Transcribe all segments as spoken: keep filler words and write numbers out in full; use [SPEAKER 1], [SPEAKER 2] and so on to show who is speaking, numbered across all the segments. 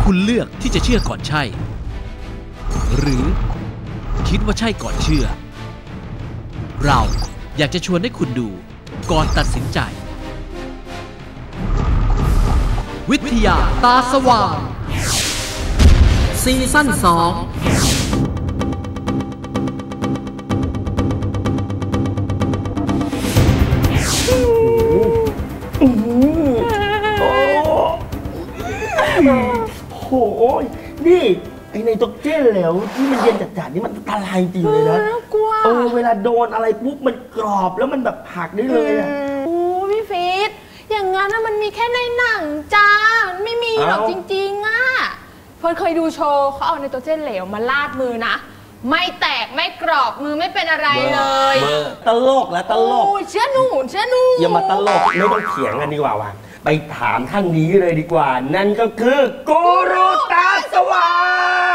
[SPEAKER 1] คุณเลือกที่จะเชื่อก่อนใช่หรือคิดว่าใช่ก่อนเชื่อเราอยากจะชวนให้คุณดูก่อนตัดสินใจวิทยาตาสว่างซีซั่นสอง
[SPEAKER 2] โหนี่ไอในตกเจ้นแล้วที่มันเย็นจัดๆนี่มันอันตรายจริงเลยนะ
[SPEAKER 3] กลัว
[SPEAKER 2] เออเวลาโดนอะไรปุ๊บมันกรอบแล้วมันแบบหักได้เลยอ่ะ
[SPEAKER 3] โอ้พี่ฟีดอย่างงั้นนะมันมีแค่ในหนังจ้ามันไม่มีหรอกจริงๆอ่ะเฟิร์นเคยดูโชว์เขาเอาในตัวเจ้นเหลวมาลาดมือนะไม่แตกไม่กรอบมือไม่เป็นอะไรเลย
[SPEAKER 2] ตลกแล้วตลก
[SPEAKER 3] เชื่อหนูเชื่อหนู
[SPEAKER 2] อย่ามาตลกไม่ต้องเถียงกันดีกว่าว่ะไปถามท่านนี้เลยดีกว่านั่นก็คือกูรูตาสว่าง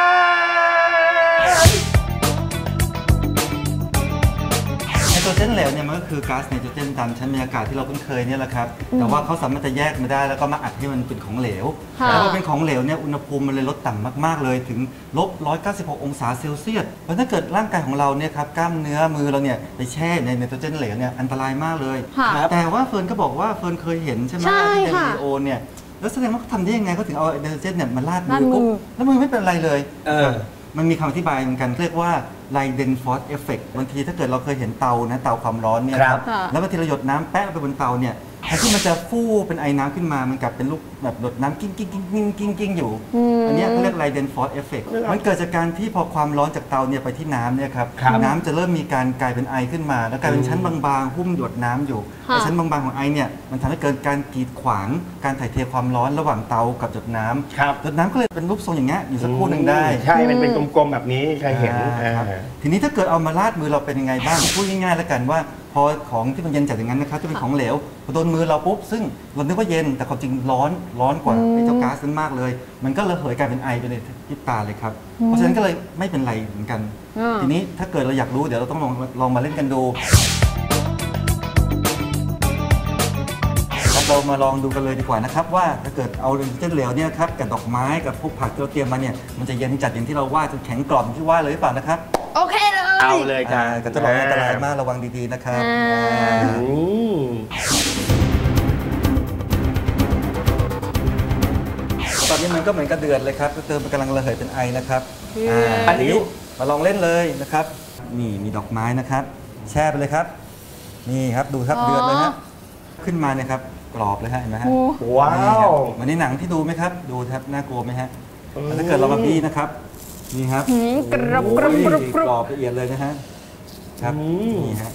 [SPEAKER 4] ไนโตรเจนเหลวเนี่ยมันก็คือก๊าซไนโตรเจนตามชั้นบรรยากาศที่เราคุ้นเคยเนี่ยแหละครับแต่ว่าเขาสามารถจะแยกมาได้แล้วก็มาอัดให้มันเป็นของเหลวแล้วพอเป็นของเหลวเนี่ยอุณหภูมิมันเลยลดต่ำมากๆเลยถึงลบหนึ่งร้อยเก้าสิบหกองศาเซลเซียสเพราะถ้าเกิดร่างกายของเราเนี่ยครับกล้ามเนื้อมือเราเนี่ยไปแช่ในไนโตรเจนเหลวเนี่ยอันตรายมากเลยแต่ว่าเฟิร์นก็บอกว่าเฟิร์นเคยเห็นใช่ไหมที่ในวิดีโอเนี่ยแล้วแสดงว่าเขาทำได้ยังไงเขาถึงเอาไนโตรเจนเนี่ยมาลาดมือปุ๊บแล้วมือไม่เป็นไรเลยมันมีคำอธิบายเหมือนกันเรียกว่าไลเดนฟอร์สเอฟเฟกต์บางทีถ้าเกิดเราเคยเห็นเตานะเตาความร้อนเนี่ยครับแล้วบางทีเราหยดน้ำแปะลงไปบนเตาเนี่ยแทนที่มันจะฟู่เป็นไอน้ำขึ้นมามันกลับเป็นลูกแบบหยดน้ำกิ้งกิ้งกิ้งกิ้งกิ้งกิ้งอยู่อันนี้เขาเรียกไลเดนฟอร์สเอฟเฟกต์มันเกิดจากการที่พอความร้อนจากเตาเนี่ยไปที่น้ำเนี่ยครับน้ำจะเริ่มมีการกลายเป็นไอขึ้นมาแล้วกลายเป็นชั้นบางๆหุ้มหยดน้ำอยู่ชั้นบางๆของไอเนี่ยมันทำให้เกิดการกีดขวางการถ่ายเทความร้อนระหว่างเตากับหยดน้ำหยดน้ำก็เลยเป็นรูปทรงอย่างเงี้ยอยู่สักครู่หนึ่งได้
[SPEAKER 2] ใช่มันเป็นกลมๆแบบนี้ใครเห็น
[SPEAKER 4] ทีนี้ถ้าเกิดเอามาลาดมือเราเป็นยังไงบ้างพูดง่ายๆแล้วกันว่าพอของที่มันเย็นจัดอย่างนั้นนะครับจะเป็นของเหลวพอโดนมือเราปุ๊บซึ่งเราคิดว่าเย็นแต่ความจริงร้อนร้อนกว่าไอ้เจ้าก๊าซนั้นมากเลยมันก็ระเหยกลายเป็นไอไปในพริบตาเลยครับเพราะฉะนั้นก็เลยไม่เป็นไรเหมือนกันทีนี้ถ้าเกิดเราอยากรู้เดี๋ยวเราต้องลองลองมาเล่นกันดูเรามาลองดูกันเลยดีกว่านะครับว่าถ้าเกิดเอาไนโตรเจนเหลวเนี่ยครับกับดอกไม้กับพวกผักที่เราเตรียมมาเนี่ยมันจะเย็นจัดอย่างที่เราว่าจนแข็งกรอบที่ว่าเลยหรือเปล่านะครับ
[SPEAKER 3] โอเคเลย
[SPEAKER 2] เอาเลยจ้า
[SPEAKER 4] ก็จะบอกอันตรายมากระวังดีๆนะครับตอนนี้มันก็เหมือนกระเดือดเลยครับก็เติมมันกำลังระเหยเป็นไอนะครับอันนี้มาลองเล่นเลยนะครับนี่มีดอกไม้นะครับแช่ไปเลยครับนี่ครับดูครับเดือดเลยฮะขึ้นมาเนี่ยครับกรอบเลยฮะเห็นไหมฮะ
[SPEAKER 2] ว้าว
[SPEAKER 4] เหมือนในหนังที่ดูไหมครับดูครับน่ากลัวไหมฮะถ้าเกิดเรามาบี้นะครับนี่ครับ
[SPEAKER 3] กรอบกรอบกรอบ
[SPEAKER 4] กรอบละเอียดเลยนะฮะครับนี่ฮะ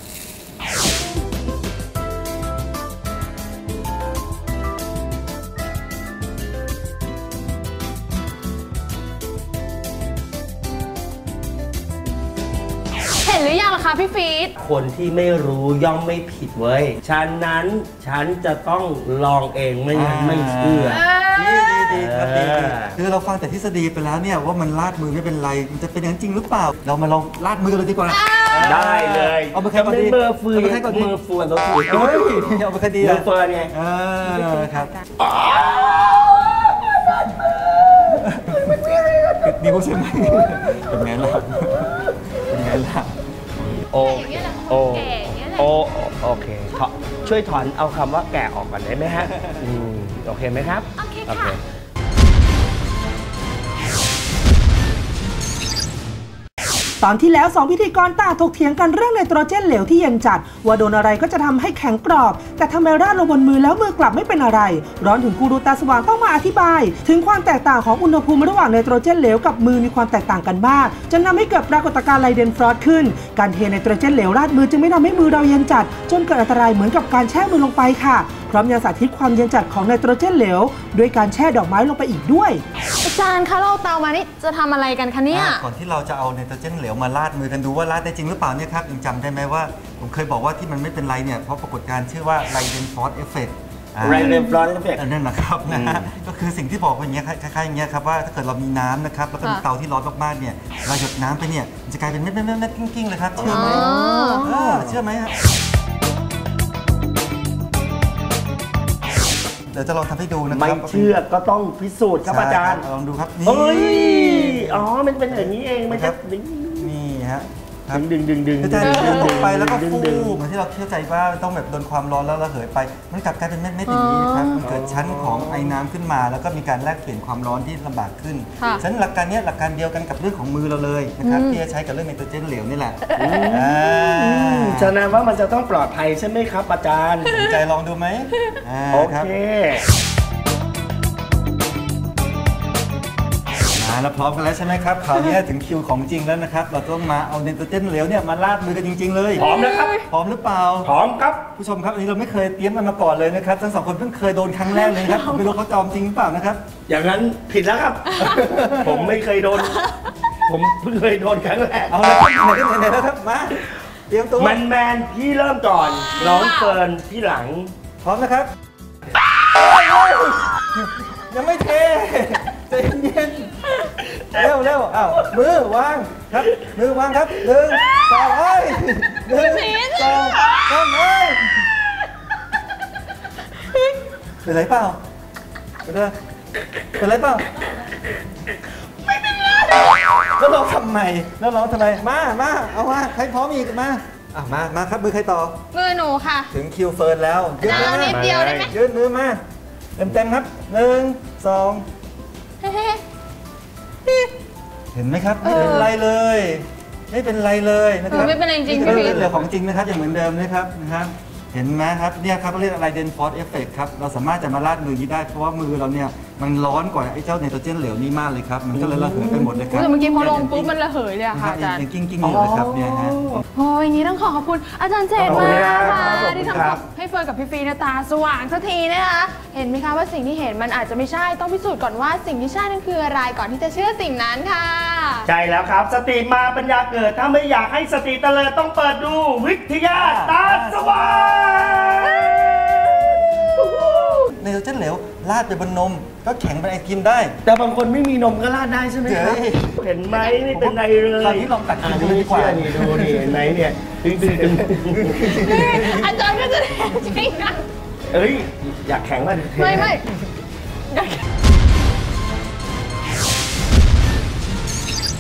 [SPEAKER 3] เห็นหรือยังล่ะคะพี่ฟีด
[SPEAKER 2] คนที่ไม่รู้ย่อมไม่ผิดเว้ยฉะนั้นฉันจะต้องลองเองไม่งั้นไม่เชื่อ
[SPEAKER 4] ดีดีครับดีคือเราฟังแต่ทฤษฎีไปแล้วเนี่ยว่ามันลาดมือไม่เป็นไรมันจะเป็นอย่างจริงหรือเปล่าเรามาลองลาดมือกันเลยดีกว่า
[SPEAKER 2] ได้เลย
[SPEAKER 4] เอาไปแค่ก่อนดี
[SPEAKER 2] เบอร์ฟืนแค่ก่อนมือฟืนเราถือ
[SPEAKER 4] เฮ้ยเอาไปแค่ดี
[SPEAKER 2] มือฟืนไง
[SPEAKER 4] เออครับนี่พวกใช่ไหมเป็นไงล่ะเป็นไงล่ะ
[SPEAKER 2] โอโอโอโอเคช่วยถอนเอาคำว่าแก่ออกก่อนได้ไหมฮะโอเคไหมครับ
[SPEAKER 3] โอเคค่ะ
[SPEAKER 5] ตอนที่แล้วสองพิธีกรต่างถกเถียงกันเรื่องไนโตรเจนเหลวที่เย็นจัดว่าโดนอะไรก็จะทำให้แข็งกรอบแต่ทำไมราดลงบนมือแล้วมือกลับไม่เป็นอะไรร้อนถึงกูรูตาสว่างต้องมาอธิบายถึงความแตกต่างของอุณหภูมิระหว่างไนโตรเจนเหลวกับมือมีความแตกต่างกันมากจนทำให้เกิดปรากฏการณ์ไลเดนฟรอสต์ขึ้นการเทไนโตรเจนเหลวราดมือจึงไม่ทำให้มือเราเย็นจัดจนเกิดอันตรายเหมือนกับการแช่มือลงไปค่ะพร้อมยังสาธิตความเย็นจัดของไนโตรเจนเหลวด้วยการแช่ดอกไม้ลงไปอีกด้วย
[SPEAKER 3] อาจารย์คะเราเตามานี่จะทำอะไรกันคะเนี่ย
[SPEAKER 4] ก่อนที่เราจะเอาไนโตรเจนเหลวมาลาดมือกันดูว่าลาดได้จริงหรือเปล่าเนี่ยครับยังจำได้ไหมว่าผมเคยบอกว่าที่มันไม่เป็นไรเนี่ยเพราะปรากฏการณ์ชื่อว่าไลเดนฟอร์สเอฟเฟกต์
[SPEAKER 2] ไลเดนฟอร์สเอฟเฟกต์
[SPEAKER 4] นั่นแหละครับนะฮะก็คือสิ่งที่บอกว่าอย่างเงี้ยคล้ายๆอย่างเงี้ยครับว่าถ้าเกิดเรามีน้ำนะครับแล้วก็มีเตาที่ร้อนมากๆเนี่ยเราหยดน้ำไปเนี่ยมันจะกลายเป็นเม็ดๆๆกิ้งๆเลยครับเชื่อไหมเชื่อไหมครับเดี๋ยวจะลองทำให้ดูนะค
[SPEAKER 2] ไม่
[SPEAKER 4] รับ
[SPEAKER 2] เชื่อก็ต้องพิสูจน์ครับอาจารย์
[SPEAKER 4] ใช่คบลองดูครับ
[SPEAKER 2] เฮ้ย
[SPEAKER 4] นี่
[SPEAKER 2] อ๋อมันเป็นอย่างนี้เองมัน
[SPEAKER 4] ครั
[SPEAKER 2] จะ
[SPEAKER 4] บ นี่ฮะ
[SPEAKER 2] ดึงดึงดึงดึง
[SPEAKER 4] ก็จะดึงลงไปแล้วก็
[SPEAKER 2] ดึง
[SPEAKER 4] ฟู
[SPEAKER 2] ดึง
[SPEAKER 4] เหมือนที่เราเข้าใจว่าต้องแบบโดนความร้อนแล้วระเหยไป มันกลับกลายเป็นเม็ดๆอย่างนี้ครับ มันเกิดชั้นของไอ้น้ำขึ้นมา แล้วก็มีการแลกเปลี่ยนความร้อนที่ลำบากขึ้น
[SPEAKER 3] ค่ะ
[SPEAKER 4] ฉะนั้นหลักการเนี้ยหลักการเดียวกันกับเรื่องของมือเราเลยนะครับที่จะใช้กับเรื่องไนโตรเจนเหลวนี่แหละอ่า
[SPEAKER 2] ฉะนั้นว่ามันจะต้องปลอดภัยใช่ไหมครับอาจารย์
[SPEAKER 4] สนใจลองดูไหมอ่า
[SPEAKER 2] โอ
[SPEAKER 4] ครับ
[SPEAKER 2] เค
[SPEAKER 4] มาแล้วพร้อมกันแล้วใช่ไหมครับคราวนี้ถึงคิวของจริงแล้วนะครับเราต้องมาเอาไนโตรเจนเหลวเนี่ยมาลาดมือกันจริง ๆ เลย
[SPEAKER 2] พร้อมนะครับ
[SPEAKER 4] พร้อมหรือเปล่า
[SPEAKER 2] พร้อมครับ
[SPEAKER 4] ผู้ชมครับอันนี้เราไม่เคยเตรียมมันมาก่อนเลยนะครับทั้งสองคนเพิ่งเคยโดนครั้งแรกเลยครับผมไม่รู้เขาจอมจริงหรือเปล่านะครับ
[SPEAKER 2] อย่างนั้นผิดแล้วครับ ผมไม่เคยโดน ผมเพิ่งเคยโดนครั้งแรก
[SPEAKER 4] เอาเลยครับไหนๆไหนๆแล้วครับมาเตรียมตัว
[SPEAKER 2] แมนแมนพี่เริ่มก่อนน้องเฟิร์นพี่หลัง
[SPEAKER 4] พร้อมนะครับยังไม่เทใจเย็นๆเร็วเร็วอ้าวมือวางครับมือวางครับหนึ่งสองเอ้ยหนึ่งสองสามเอ้ยเป็นไรเปล่าเป็นไรเป็นไรเปล่าไม่เป็นไรแล้วเราทำไมแล้วเราทำไมมามาเอามาใครพร้อมอีกมาอ่ะมามาครับมือใครต่อ
[SPEAKER 3] มือหนูค่ะ
[SPEAKER 4] ถึงคิวเฟิร์นแล้วยืนมือ
[SPEAKER 3] เอานิด
[SPEAKER 4] มา
[SPEAKER 3] เดียวได้ไหม
[SPEAKER 4] ยืนมือมาเต็มเต็มๆครับหนึ่งสองเห็นไหมครับไม่เป็นไรเลย ไม่เป็นไรเลยนะครับ
[SPEAKER 3] เออไม่เป็นไรจริงๆ
[SPEAKER 4] นี่คือ
[SPEAKER 3] พี่พีท
[SPEAKER 4] เรื่องของจริงนะครับอย่างเหมือนเดิมนะครับนะครับ เห็นไหมครับเนี่ยครับเรียกอะไรเดนฟอสเอฟเฟกครับเราสามารถจะมาลาดมือนี้ได้เพราะว่ามือเราเนี่ยมันร้อนกว่าไอ้เจ้าไนโตรเจนเหลวนี่มากเลยครับมันก็เลยระเหยไปหมดเลยครับ
[SPEAKER 3] แต่เมื่อกี้พอลงปุ๊บมันระเหยเลยอะค่ะอาจารย์
[SPEAKER 4] ยังกิ้งกิ้งๆอยู่เลยครับเนี่ยฮะ
[SPEAKER 3] โอ้ยอย่างนี้ต้องขอขอบคุณอาจารย์เจตมากค่ะ
[SPEAKER 2] ขอบคุณ
[SPEAKER 3] ที่
[SPEAKER 2] ค
[SPEAKER 3] ทำ
[SPEAKER 2] รับ
[SPEAKER 3] ให้เฟิร์นกับพี่ฟีนะตาสว่างสักทีนะคะเห็นไหมคะว่าสิ่งที่เห็นมันอาจจะไม่ใช่ต้องพิสูจน์ก่อนว่าสิ่งที่ใช่นั่นคืออะไรก่อนที่จะเชื่อสิ่งนั้นค่ะ
[SPEAKER 2] ใช่แล้วครับ สติมาปัญญาเกิด ถ้าไม่อยากให้สติเตลิดต้องเปิดดูวิทยาตาสว่าง
[SPEAKER 4] ไนโตรเจนเหลวราดไปบนนมก็แข็งเป็นไอติมได้
[SPEAKER 2] แต่บางคนไม่มีนมก็ราดได้ใช่ไหมครับ
[SPEAKER 4] เฮ้ย
[SPEAKER 2] เห็นไหมไม่เป็นไรเลย
[SPEAKER 4] คราวนี้ลองตัดกินดูเลยดีกว่า
[SPEAKER 2] อ่นี่ดูนี่เห็นไหมเนี่ยดึงดึงดึง
[SPEAKER 3] อาจารย์ก็จะได้จริงนะ
[SPEAKER 2] เอ้ยอยากแข็งว่า
[SPEAKER 3] ไม่ไม่